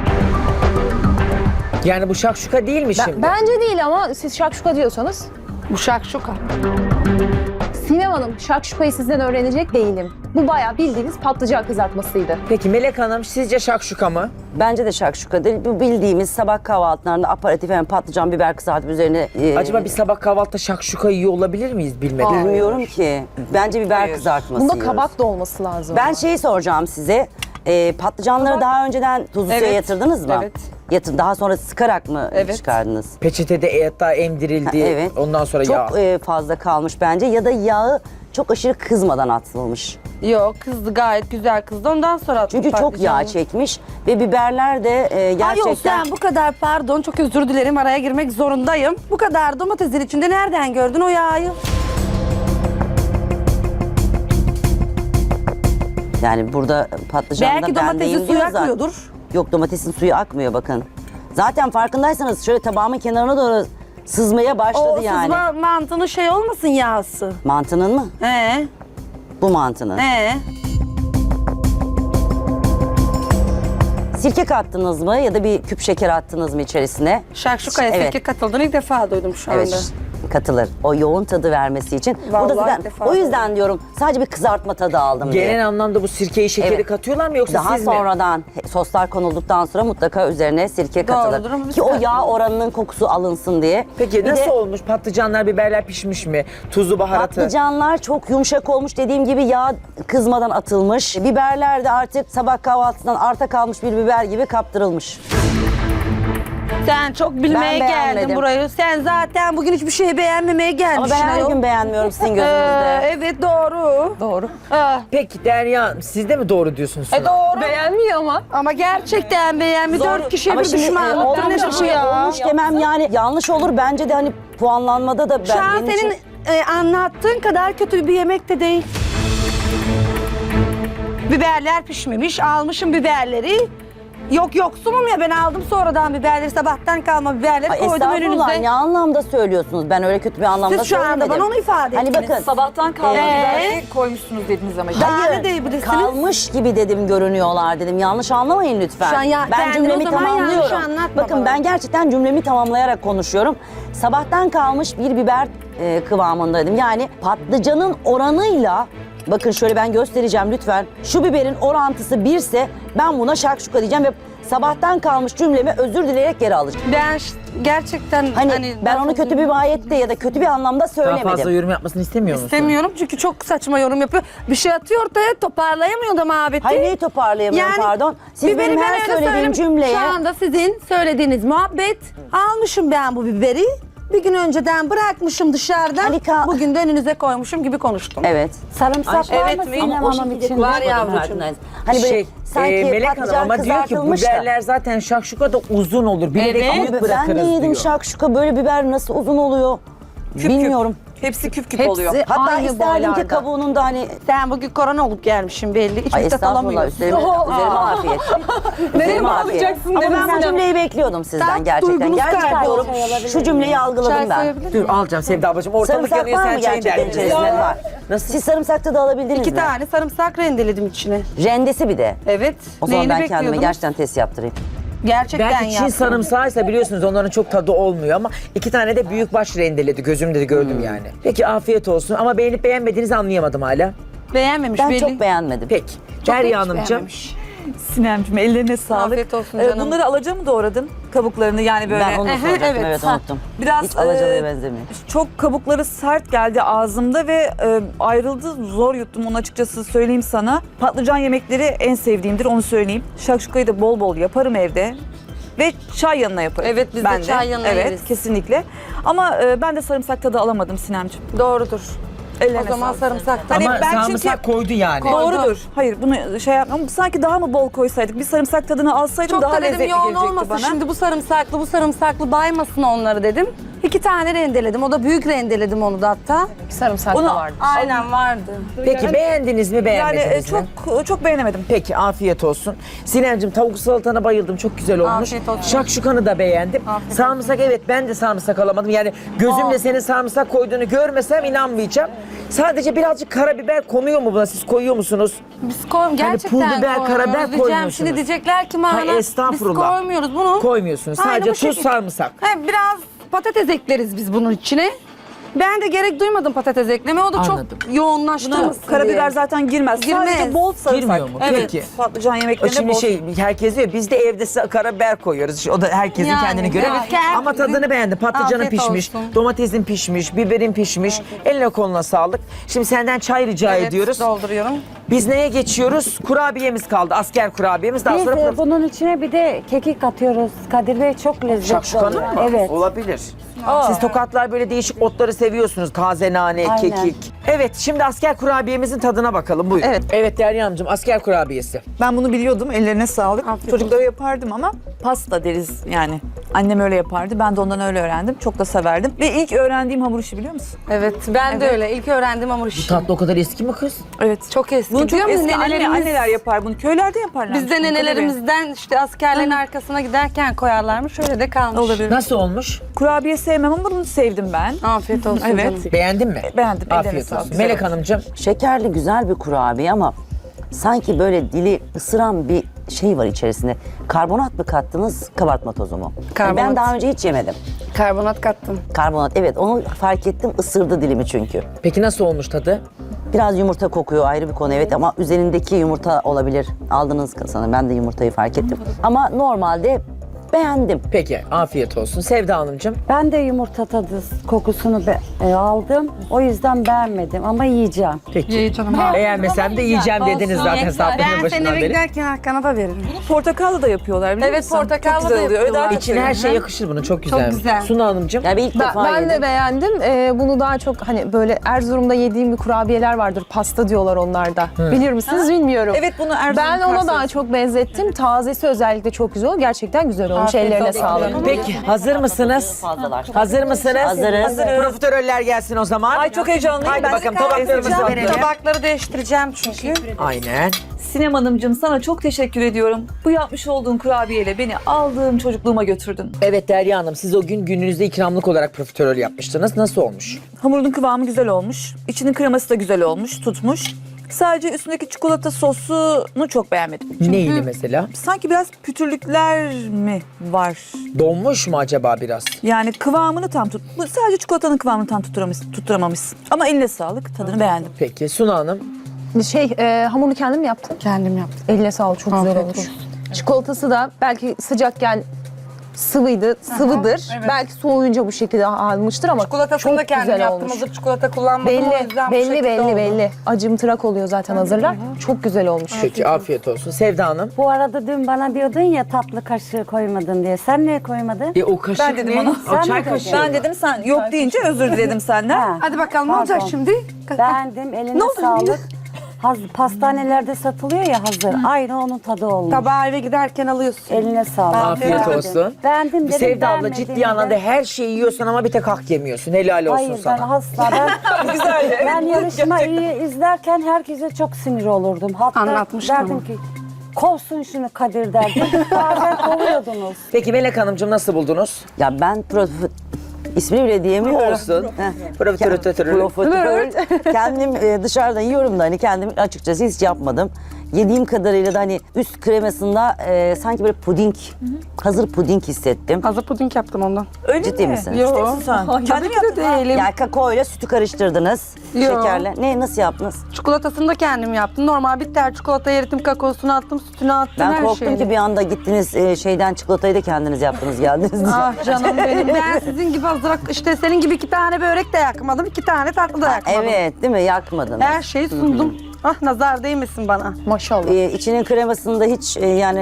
Speaker 1: Yani bu şakşuka değil mi şimdi?
Speaker 4: Bence değil ama siz şakşuka diyorsanız.
Speaker 2: Bu şakşuka.
Speaker 4: Sinem Hanım şakşukayı sizden öğrenecek değilim. Bu bayağı bildiğiniz patlıcan kızartmasıydı.
Speaker 1: Peki Melek Hanım sizce şakşuka mı?
Speaker 6: Bence de şakşuka değil. Bu bildiğimiz sabah kahvaltılarında aparatif hem patlıcan biber kızartıp üzerine
Speaker 1: Acaba bir sabah kahvaltıda şakşuka yiyor olabilir miyiz bilmeden?
Speaker 6: bilmiyorum ki. Bence biber kızartması
Speaker 4: Bunda
Speaker 6: yiyoruz.
Speaker 4: kabak da olması lazım.
Speaker 6: Ben şeyi soracağım size. Patlıcanları daha önceden tuzlu suya
Speaker 2: Evet.
Speaker 6: yatırdınız mı?
Speaker 2: Evet.
Speaker 6: Daha sonra sıkarak mı
Speaker 2: Evet.
Speaker 6: çıkardınız?
Speaker 1: Peçetede hatta emdirildi.
Speaker 6: Evet.
Speaker 1: Ondan sonra yağ.
Speaker 6: Çok fazla kalmış bence ya da yağı çok aşırı kızmadan atılmış.
Speaker 2: Yok kızdı gayet güzel kızdı. Ondan sonra attım
Speaker 6: Çünkü çok yağ
Speaker 2: patlıcanı.
Speaker 6: çekmiş ve biberler de
Speaker 2: Ay
Speaker 6: gerçekten...
Speaker 2: yok sen bu kadar pardon çok özür dilerim araya girmek zorundayım. Bu kadar domatesin içinde nereden gördün o yağı?
Speaker 6: Yani burada patlıcan
Speaker 2: Belki
Speaker 6: da
Speaker 2: domatesin
Speaker 6: bendeyim
Speaker 2: suyu
Speaker 6: diyor zaten.
Speaker 2: akmıyordur.
Speaker 6: Yok domatesin suyu akmıyor bakın. Zaten farkındaysanız şöyle tabağımın kenarına doğru sızmaya başladı
Speaker 2: O
Speaker 6: yani.
Speaker 2: sızma mantının şey olmasın yağısı.
Speaker 6: Mantının mı?
Speaker 2: He.
Speaker 6: Bu mantının.
Speaker 2: He.
Speaker 6: Sirke kattınız mı ya da bir küp şeker attınız mı içerisine?
Speaker 2: Şakşukaya
Speaker 6: Evet.
Speaker 2: sirke katıldığını ilk defa duydum şu anda.
Speaker 6: Evet katılır. O yoğun tadı vermesi için.
Speaker 2: Vallahi
Speaker 6: Burada zaten,
Speaker 2: ilk defa
Speaker 6: o yüzden diyorum sadece bir kızartma tadı aldım diye.
Speaker 1: Genel anlamda bu sirkeyi şekeri
Speaker 6: Evet.
Speaker 1: katıyorlar mı yoksa
Speaker 6: Daha
Speaker 1: siz mi?
Speaker 6: sonradan soslar konulduktan sonra mutlaka üzerine sirke katılır.
Speaker 2: Doğrudur ama biz
Speaker 6: Ki o yağ
Speaker 2: katmıyoruz.
Speaker 6: oranının kokusu alınsın diye.
Speaker 1: Peki
Speaker 6: Bir
Speaker 1: nasıl
Speaker 6: de
Speaker 1: olmuş? Patlıcanlar, biberler pişmiş mi? Tuzu, baharatı.
Speaker 6: patlıcanlar çok yumuşak olmuş. Dediğim gibi yağ kızmadan atılmış. Biberler de artık sabah kahvaltısından arta kalmış bir biber gibi kaptırılmış.
Speaker 2: Sen çok bilmeye
Speaker 6: Ben
Speaker 2: geldin
Speaker 6: beğenmedim.
Speaker 2: burayı. Sen zaten bugün hiçbir şeyi beğenmemeye
Speaker 6: Ama
Speaker 2: gelmişsin.
Speaker 6: ben her
Speaker 2: ayol.
Speaker 6: gün beğenmiyorum sizin gözünüzde.
Speaker 2: Evet doğru.
Speaker 4: Doğru.
Speaker 1: Peki Derya Hanım, siz de mi doğru diyorsunuz?
Speaker 2: Doğru.
Speaker 4: Beğenmiyor ama.
Speaker 2: Ama gerçekten beğenmi. 4 kişiye
Speaker 6: Ama
Speaker 2: bir
Speaker 6: şimdi
Speaker 2: düşmanlıktan
Speaker 6: olmuş
Speaker 2: ne
Speaker 6: bir
Speaker 2: bu
Speaker 6: şey
Speaker 2: ya?
Speaker 6: olmuş demem yani yanlış olur. Bence de hani puanlanmada da
Speaker 2: Şu an
Speaker 6: benim
Speaker 2: senin
Speaker 6: için-
Speaker 2: anlattığın kadar kötü bir yemek de değil. Biberler pişmemiş. Almışım biberleri. Yok yoksunum ya ben aldım sonradan biberleri. Sabahtan kalma biberleri
Speaker 6: Ay,
Speaker 2: koydum
Speaker 6: estağfurullah,
Speaker 2: önünüze.
Speaker 6: ne anlamda söylüyorsunuz? Ben öyle kötü bir anlamda
Speaker 2: Siz şu anda
Speaker 6: söylemedim.
Speaker 2: bana onu ifade
Speaker 6: Hani
Speaker 2: ettiniz.
Speaker 6: bakın
Speaker 7: Sabahtan kalma
Speaker 2: Ee?
Speaker 7: biberi koymuşsunuz dediniz ama.
Speaker 2: Daha ne diyebilirsiniz?
Speaker 6: kalmış gibi dedim görünüyorlar dedim. Yanlış anlamayın lütfen.
Speaker 2: Şu an ya-
Speaker 6: ben
Speaker 2: kendini
Speaker 6: cümlemi
Speaker 2: o zaman yanlış
Speaker 6: tamamlıyorum.
Speaker 2: anlatma
Speaker 6: Bakın
Speaker 2: bana.
Speaker 6: ben gerçekten cümlemi tamamlayarak konuşuyorum. Sabahtan kalmış bir biber kıvamındaydım. Yani patlıcanın oranıyla bakın şöyle ben göstereceğim lütfen. Şu biberin orantısı 1 ise ben buna şakşuka diyeceğim ve sabahtan kalmış cümlemi özür dileyerek geri alacağım.
Speaker 2: Ben gerçekten
Speaker 6: Hani ben onu kötü bir mahiyette ya da kötü bir anlamda
Speaker 1: Daha
Speaker 6: söylemedim.
Speaker 1: fazla yorum yapmasını istemiyor musun?
Speaker 2: istemiyorum çünkü çok saçma yorum yapıyor. Bir şey atıyor ortaya toparlayamıyor da muhabbeti.
Speaker 6: Hayır neyi toparlayamıyorum pardon. Siz
Speaker 2: biberi
Speaker 6: benim
Speaker 2: ben
Speaker 6: her
Speaker 2: öyle
Speaker 6: söylediğim
Speaker 2: söyleyeyim.
Speaker 6: cümleye...
Speaker 2: Şu anda sizin söylediğiniz muhabbet almışım ben bu biberi. Bir gün önceden bırakmışım dışarıdan.
Speaker 6: Halika-
Speaker 2: Bugün de önünüze koymuşum gibi konuştum.
Speaker 6: Evet.
Speaker 5: Sarımsak var
Speaker 2: Evet
Speaker 5: mı
Speaker 2: mi?
Speaker 5: Sinem
Speaker 6: Ama o
Speaker 5: Hanım
Speaker 6: şekilde
Speaker 5: içinde?
Speaker 2: Var
Speaker 6: konuşmadım
Speaker 2: yavrucuğum.
Speaker 6: farkındayız. Hani böyle sanki
Speaker 1: Melek Hanım
Speaker 6: patlıcan
Speaker 1: ama diyor ki
Speaker 6: kızartılmış da.
Speaker 1: biberler zaten şakşuka da uzun olur. Bilerek
Speaker 2: Evet.
Speaker 1: büyük
Speaker 6: Ben
Speaker 1: bırakırız
Speaker 6: de yedim
Speaker 1: diyor.
Speaker 6: şakşuka böyle biber nasıl uzun oluyor bilmiyorum.
Speaker 7: Hepsi küp küp
Speaker 4: Hepsi
Speaker 7: oluyor.
Speaker 6: Hatta
Speaker 4: aynı
Speaker 6: isterdim ki
Speaker 4: boylarda.
Speaker 6: kabuğunun da hani...
Speaker 2: Sen bugün korona olup gelmişsin belli. Hiç
Speaker 6: Ay
Speaker 2: müddet
Speaker 6: estağfurullah
Speaker 2: alamıyorsun.
Speaker 6: üzerime afiyet. Üzerime afiyet.
Speaker 4: bağlayacaksın
Speaker 6: Ama
Speaker 4: dedim
Speaker 6: ben bu
Speaker 4: sana.
Speaker 6: cümleyi bekliyordum sizden
Speaker 2: Sen
Speaker 6: gerçekten.
Speaker 2: duygunuz
Speaker 6: Gerçekten
Speaker 2: kaybolmuş.
Speaker 6: şu cümleyi algıladım
Speaker 2: Çay
Speaker 6: ben.
Speaker 2: koyabilir
Speaker 1: Dur alacağım Sevda ablacığım. Ortalık
Speaker 6: Sarımsak
Speaker 1: yanıyor
Speaker 6: var
Speaker 1: sen
Speaker 6: mı
Speaker 1: çayın
Speaker 6: gerçekten
Speaker 1: derdin.
Speaker 6: içerisinde? Var.
Speaker 1: Nasıl?
Speaker 6: Siz sarımsakta da alabildiniz
Speaker 2: 2
Speaker 6: mi?
Speaker 2: tane sarımsak rendeledim içine.
Speaker 6: Rendesi bir de.
Speaker 2: Evet.
Speaker 6: O zaman
Speaker 2: Neyini
Speaker 6: ben kendime
Speaker 2: bekliyordunuz?
Speaker 6: gerçekten test yaptırayım.
Speaker 2: Gerçekten
Speaker 1: Belki Çin
Speaker 2: yaptım.
Speaker 1: sarımsağıysa biliyorsunuz onların çok tadı olmuyor ama 2 tane de büyük baş rendeledi. Gözümde de gördüm yani. Peki afiyet olsun ama beğenip beğenmediğinizi anlayamadım hala.
Speaker 2: Beğenmemiş
Speaker 6: Ben
Speaker 2: belli.
Speaker 6: çok beğenmedim.
Speaker 1: Peki.
Speaker 2: Çok
Speaker 1: Derya
Speaker 2: hiç
Speaker 1: Hanımcığım.
Speaker 2: beğenmemiş.
Speaker 7: Sinemciğim ellerine sağlık.
Speaker 2: Afiyet olsun canım.
Speaker 7: Bunları alaca mı doğradın? Kabuklarını yani böyle.
Speaker 6: Ben onu da soracaktım
Speaker 2: evet.
Speaker 6: evet
Speaker 2: Ha.
Speaker 6: unuttum.
Speaker 7: Biraz
Speaker 6: Hiç alacalıya benzemiyor.
Speaker 7: çok kabukları sert geldi ağzımda ve ayrıldı. Zor yuttum onu açıkçası söyleyeyim sana. Patlıcan yemekleri en sevdiğimdir onu söyleyeyim. Şakşukayı da bol bol yaparım evde. Ve çay yanına yaparım.
Speaker 2: Evet, biz de
Speaker 7: ben
Speaker 2: çay yanına
Speaker 7: Evet
Speaker 2: yeriz.
Speaker 7: kesinlikle. Ama ben de sarımsak tadı alamadım Sinemciğim.
Speaker 2: Doğrudur.
Speaker 7: Ellerine
Speaker 2: O zaman
Speaker 7: sağlık.
Speaker 2: sarımsaktan.
Speaker 7: Hani
Speaker 1: Ama
Speaker 7: ben
Speaker 1: sarımsak koydu yani.
Speaker 7: Doğrudur. Hayır bunu şey yapmam. Sanki daha mı bol koysaydık? Bir sarımsak tadını alsaydım
Speaker 2: Çok
Speaker 7: daha
Speaker 2: da dedim
Speaker 7: lezzetli
Speaker 2: yoğun
Speaker 7: gelecekti
Speaker 2: olmasın.
Speaker 7: bana.
Speaker 2: Şimdi bu sarımsaklı baymasın onları dedim. 2 tane rendeledim. O da büyük rendeledim onu da hatta.
Speaker 4: Sarımsak
Speaker 7: Onu-
Speaker 4: da vardı.
Speaker 2: Aynen vardı.
Speaker 1: Peki beğendiniz mi
Speaker 7: Yani
Speaker 1: beğenmediniz mi?
Speaker 7: çok beğenemedim.
Speaker 1: Peki afiyet olsun. Sinemcim tavuk salatana bayıldım. Çok güzel olmuş.
Speaker 2: Afiyet olsun.
Speaker 1: Şakşukanı da beğendim.
Speaker 2: Afiyet
Speaker 1: Sarımsak evet ben de sarımsak alamadım. Yani gözümle senin sarımsak koyduğunu görmesem inanmayacağım. Sadece birazcık karabiber konuyor mu buna? Siz koyuyor musunuz?
Speaker 2: Biz gerçekten
Speaker 1: pul biber,
Speaker 2: koymuyoruz.
Speaker 1: karabiber
Speaker 2: Diyeceğim,
Speaker 1: koymuyorsunuz.
Speaker 2: şimdi diyecekler ki bana
Speaker 1: Hayır, estağfurullah.
Speaker 2: biz koymuyoruz bunu.
Speaker 1: Koymuyorsunuz.
Speaker 2: Aynen
Speaker 1: Sadece
Speaker 2: bu
Speaker 1: tuz,
Speaker 2: şekilde.
Speaker 1: sarımsak.
Speaker 2: Biraz patates ekleriz biz bunun içine. Ben de gerek duymadım patates ekleme. O da
Speaker 1: Anladım.
Speaker 2: çok yoğunlaştırmasın
Speaker 7: Karabiber
Speaker 2: diye.
Speaker 7: zaten girmez.
Speaker 2: Girmez.
Speaker 7: Sadece bol sarımsak.
Speaker 1: Girmiyor mu?
Speaker 7: Evet.
Speaker 1: Peki.
Speaker 7: Patlıcan
Speaker 1: O
Speaker 7: yemeklerine
Speaker 1: şimdi
Speaker 7: bol.
Speaker 1: herkes diyor biz de evde karabiber koyuyoruz. O da herkesin
Speaker 2: Yani,
Speaker 1: kendine göre.
Speaker 2: evet, herkesin-
Speaker 1: Ama tadını beğendim. Patlıcanın
Speaker 2: Afiyet
Speaker 1: pişmiş,
Speaker 2: olsun.
Speaker 1: domatesin pişmiş, biberin pişmiş. Eline koluna sağlık. Şimdi senden çay rica
Speaker 2: Evet,
Speaker 1: ediyoruz.
Speaker 2: dolduruyorum.
Speaker 1: Biz neye geçiyoruz? Kurabiyemiz kaldı. Asker kurabiyemiz. Daha
Speaker 5: Biz
Speaker 1: sonra
Speaker 5: bunun içine bir de kekik atıyoruz. Kadir Bey çok lezzetli
Speaker 1: şakşukanın
Speaker 5: oluyor.
Speaker 1: mı?
Speaker 5: Evet.
Speaker 1: Olabilir. Siz tokatlar böyle değişik otları seviyorsunuz. Taze nane,
Speaker 5: Aynen.
Speaker 1: kekik. Evet şimdi asker kurabiyemizin tadına bakalım. Buyurun.
Speaker 7: Evet.
Speaker 1: Evet Derya Hanımcığım asker kurabiyesi.
Speaker 7: Ben bunu biliyordum. Ellerine sağlık.
Speaker 2: Afiyet
Speaker 7: Çocuklara yapardım ama pasta deriz yani. Annem öyle yapardı. Ben de ondan öyle öğrendim. Çok da severdim. Ve ilk öğrendiğim hamur işi biliyor musun?
Speaker 2: Evet ben de
Speaker 7: Evet.
Speaker 2: öyle. İlk öğrendim hamur işi.
Speaker 1: Tatlı o kadar eski mi kız?
Speaker 7: Evet.
Speaker 2: Çok eski.
Speaker 7: Bunu çok
Speaker 2: Biliyor musun?
Speaker 7: eski anneler yapar bunu. Köylerde yaparlar.
Speaker 2: Biz de nenelerimizden işte askerlerin arkasına giderken koyarlarmış. Şöyle de kalmış.
Speaker 7: Olabilir.
Speaker 1: Nasıl olmuş?
Speaker 7: Kurabiye sevmem ama bunu sevdim ben.
Speaker 2: Afiyet olsun
Speaker 7: Evet.
Speaker 2: canım.
Speaker 1: Beğendin mi?
Speaker 7: Beğendim, ellerine
Speaker 1: Afiyet
Speaker 7: sağlık,
Speaker 1: olsun.
Speaker 7: güzel
Speaker 1: Melek
Speaker 7: olmuş.
Speaker 1: Hanımcığım.
Speaker 6: Şekerli güzel bir kurabiye ama sanki böyle dili ısıran bir şey var içerisinde. Karbonat mı kattınız, kabartma tozu mu? Yani
Speaker 2: Karbonat.
Speaker 6: ben daha önce hiç yemedim.
Speaker 2: Karbonat kattım.
Speaker 6: Karbonat evet onu fark ettim ısırdı dilimi çünkü.
Speaker 1: Peki nasıl olmuş tadı?
Speaker 6: Biraz yumurta kokuyor ayrı bir konu evet ama üzerindeki yumurta olabilir. Aldınız sanırım ben de yumurtayı fark ettim. Ama normalde beğendim.
Speaker 1: Peki afiyet olsun. Sevda Hanımcığım.
Speaker 5: Ben de yumurta tadı kokusunu aldım. O yüzden beğenmedim ama yiyeceğim.
Speaker 1: Peki. Beğenmesem de yiyeceğim dediniz zaten sabrının başından beri.
Speaker 2: giderken Hakan'a da veririm.
Speaker 7: Portakallı da yapıyorlar biliyor
Speaker 2: Evet,
Speaker 7: musun?
Speaker 2: portakallı
Speaker 7: Çok güzel
Speaker 2: da
Speaker 7: oluyor. Öyle daha
Speaker 2: yapıyorlar.
Speaker 7: çok
Speaker 1: İçine her şey
Speaker 7: seviyorum.
Speaker 1: yakışır bunun. Çok güzel.
Speaker 2: güzel.
Speaker 1: Suna Hanımcığım.
Speaker 6: Ya ben ilk defa
Speaker 4: Ben
Speaker 6: yedim.
Speaker 4: de beğendim. Bunu daha çok hani böyle Erzurum'da yediğim bir kurabiyeler vardır. Pasta diyorlar onlarda. Bilir misiniz bilmiyorum.
Speaker 7: Evet, bunu Erzurum
Speaker 4: Ben ona
Speaker 7: karşısı.
Speaker 4: daha çok benzettim. Tazesi özellikle çok güzel. Gerçekten güzel olmuş. Ellerine sağlık.
Speaker 1: Peki hazır mısınız? Hazır mısınız?
Speaker 6: Hazırız.
Speaker 1: Profiteroller gelsin o zaman.
Speaker 7: Ay çok heyecanlıyım.
Speaker 1: Haydi
Speaker 7: Ben
Speaker 1: bakalım
Speaker 7: de
Speaker 1: tabaklarımızı
Speaker 7: kahve
Speaker 1: verelim.
Speaker 2: Tabakları değiştireceğim çünkü.
Speaker 1: Aynen.
Speaker 7: Sinem Hanımcığım, sana çok teşekkür ediyorum. Bu yapmış olduğun kurabiyeyle beni aldığım çocukluğuma götürdün.
Speaker 1: Evet Derya Hanım, siz o gün gününüzde ikramlık olarak profiterol yapmıştınız. Nasıl olmuş?
Speaker 7: Hamurun kıvamı güzel olmuş. İçinin kreması da güzel olmuş, tutmuş. Sadece üstündeki çikolata sosunu çok beğenmedim.
Speaker 1: Neydi mesela?
Speaker 7: Sanki biraz pütürlükler mi var?
Speaker 1: Donmuş mu acaba biraz?
Speaker 7: Yani kıvamını tam sadece çikolatanın kıvamını tam tutturamamışsın. Ama eline sağlık, tadını beğendim.
Speaker 1: Peki Suna Hanım.
Speaker 4: Hamurunu kendim mi yaptın?
Speaker 2: Kendim yaptım.
Speaker 4: Eline sağlık. Çok güzel olmuş. Çikolatası da belki sıcakken sıvıdır. Belki soğuyunca bu şekilde almıştır ama
Speaker 2: Çikolatasını da
Speaker 4: çok
Speaker 2: kendim
Speaker 4: güzel
Speaker 2: yaptım.
Speaker 4: olmuş.
Speaker 2: Hazır çikolata kullanmadım o yüzden bu şekilde oldu.
Speaker 4: Belli. Acımtırak oluyor zaten hazırlar. Çok güzel olmuş.
Speaker 1: Peki afiyet olsun. Sevda Hanım.
Speaker 5: Bu arada dün bana diyordun ya tatlı kaşığı koymadın diye. Sen niye koymadın?
Speaker 1: O kaşık
Speaker 7: Ben dedim
Speaker 1: ne?
Speaker 7: ona.
Speaker 1: O
Speaker 5: Sen
Speaker 1: çay
Speaker 5: mi
Speaker 1: kaşığı.
Speaker 5: dedin?
Speaker 7: Ben dedim, sen yok deyince özür diledim senden.
Speaker 5: Ha,
Speaker 2: Hadi bakalım ne olacak
Speaker 5: pardon.
Speaker 2: şimdi?
Speaker 5: Beğendim. Eline sağlık. Pastanelerde satılıyor ya hazır. Aynı onun tadı olmuş.
Speaker 2: Tabağı eve giderken alıyorsun.
Speaker 5: Eline sağlık.
Speaker 1: Afiyet
Speaker 5: Beğendim.
Speaker 1: olsun.
Speaker 5: Beğendim dedim.
Speaker 1: Sevda abla
Speaker 5: beğenmedim
Speaker 1: ciddi
Speaker 5: de.
Speaker 1: anlamda her şeyi yiyorsun ama bir tek hak yemiyorsun. Helal olsun
Speaker 5: Hayır ben
Speaker 1: sana.
Speaker 5: asla. Ben yarışmayı izlerken herkese çok sinir olurdum. Hatta
Speaker 2: Anlatmıştım
Speaker 5: derdim
Speaker 2: ama.
Speaker 5: ki kovsun şunu Kadir derdim. Bazen kovuyordunuz.
Speaker 1: Peki Melek Hanımcığım nasıl buldunuz?
Speaker 6: Ya ben ismini bile diyemiyorsun. Profiterol. Kendim dışarıdan yiyorum da hani kendim açıkçası hiç yapmadım. Yediğim kadarıyla da hani üst kremasında sanki böyle puding, hazır puding hissettim.
Speaker 2: Hazır puding yaptım ondan.
Speaker 7: Öyle
Speaker 6: Ciddi
Speaker 7: mi?
Speaker 6: misin?
Speaker 2: Yok.
Speaker 7: Sen.
Speaker 2: Tabii
Speaker 7: Kendin
Speaker 2: ki de
Speaker 7: yaptın ha.
Speaker 2: değilim.
Speaker 6: Yani kakao ile sütü karıştırdınız.
Speaker 2: Yo.
Speaker 6: Şekerle. Nasıl yaptınız?
Speaker 2: Çikolatasını da kendim yaptım. Normal bitter çikolata erittim, kakaosunu attım, sütünü attım,
Speaker 6: Ben
Speaker 2: her
Speaker 6: korktum
Speaker 2: şeyini.
Speaker 6: ki bir anda gittiniz şeyden çikolatayı da kendiniz yaptınız geldiniz.
Speaker 2: Ah canım benim. Ben sizin gibi hazır, işte senin gibi 2 tane börek de yakmadım, 2 tane tatlı da yakmadım.
Speaker 6: Evet değil mi? Yakmadınız.
Speaker 2: Her şeyi sundum. Ah nazar değmesin bana.
Speaker 4: Maşallah.
Speaker 6: İçinin kremasında hiç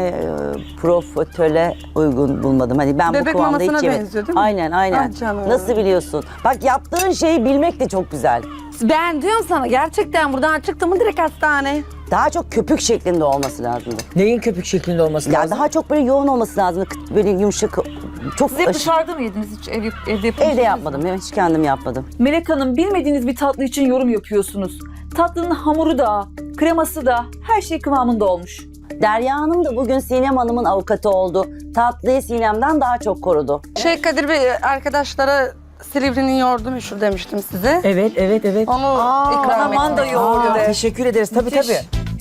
Speaker 6: profiterole uygun bulmadım. Hani ben
Speaker 2: Bebek
Speaker 6: bu kıvamda
Speaker 2: mamasına
Speaker 6: hiç yemedim.
Speaker 2: benziyor değil mi?
Speaker 6: Aynen.
Speaker 2: Ah canım.
Speaker 6: Nasıl biliyorsun? Bak yaptığın şeyi bilmek de çok güzel.
Speaker 2: Ben diyorum sana gerçekten buradan çıktım mı direkt hastane.
Speaker 6: Daha çok köpük şeklinde olması lazımdı.
Speaker 1: Neyin köpük şeklinde olması
Speaker 6: Ya
Speaker 1: lazım?
Speaker 6: daha çok böyle yoğun olması lazımdı. Böyle yumuşak. Çok
Speaker 7: Siz hep dışarıda mı yediniz? Hiç evde yapmış
Speaker 6: Evde yapmadım. Hiç kendim yapmadım.
Speaker 7: Melek Hanım, bilmediğiniz bir tatlı için yorum yapıyorsunuz. Tatlının hamuru da, kreması da her şey kıvamında olmuş.
Speaker 6: Derya Hanım da bugün Sinem Hanım'ın avukatı oldu. Tatlıyı Sinem'den daha çok korudu.
Speaker 2: Kadir Bey arkadaşlara Silivri'nin yoğurdu meşhur demiştim size.
Speaker 1: Evet.
Speaker 2: Onu ikram
Speaker 7: Aman da
Speaker 2: ettim.
Speaker 7: yoğurdu de.
Speaker 1: Teşekkür ederiz. Tabii.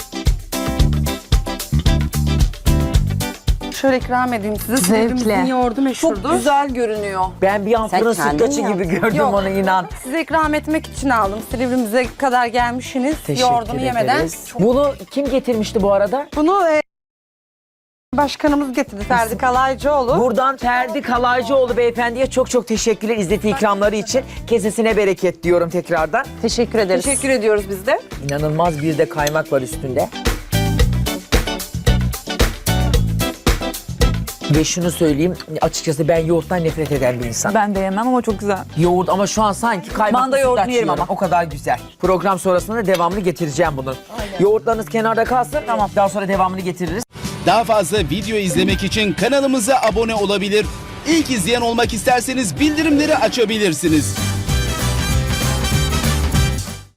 Speaker 2: Şöyle ikram edeyim size. Silivri'mizin yoğurdu meşhurdur.
Speaker 7: Çok güzel görünüyor.
Speaker 1: Ben bir an
Speaker 6: Sen
Speaker 1: fırın
Speaker 6: kendin
Speaker 1: sütlaçı
Speaker 6: mi
Speaker 1: gibi
Speaker 6: yaptın?
Speaker 1: gördüm
Speaker 2: Yok.
Speaker 1: onu inan.
Speaker 2: Size ikram etmek için aldım. Silivri'mize kadar gelmişsiniz.
Speaker 1: Teşekkür
Speaker 2: Yoğurdunu yemeden.
Speaker 1: ederiz. Bunu kim getirmişti bu arada?
Speaker 2: Bunu başkanımız getirdi Ferdi Kalaycıoğlu.
Speaker 1: Buradan Ferdi Kalaycıoğlu beyefendiye çok teşekkürler İzzeti ikramları için. Kesesine bereket diyorum tekrardan.
Speaker 4: Teşekkür ederiz.
Speaker 7: Teşekkür ediyoruz biz de.
Speaker 1: İnanılmaz bir de kaymak var üstünde. Ve şunu söyleyeyim, açıkçası ben yoğurttan nefret eden bir insan.
Speaker 7: Ben de yemem ama çok güzel.
Speaker 1: Yoğurt ama şu an sanki kaymaklı
Speaker 7: Manda yoğurdunu
Speaker 1: sütlaç
Speaker 7: yerim
Speaker 1: yiyorum.
Speaker 7: ama.
Speaker 1: O kadar güzel. Program sonrasında devamlı getireceğim bunu. Yoğurtlarınız kenarda kalsın. Tamam. Daha sonra devamını getiririz.
Speaker 8: Daha fazla video izlemek için kanalımıza abone olabilir. İlk izleyen olmak isterseniz bildirimleri açabilirsiniz.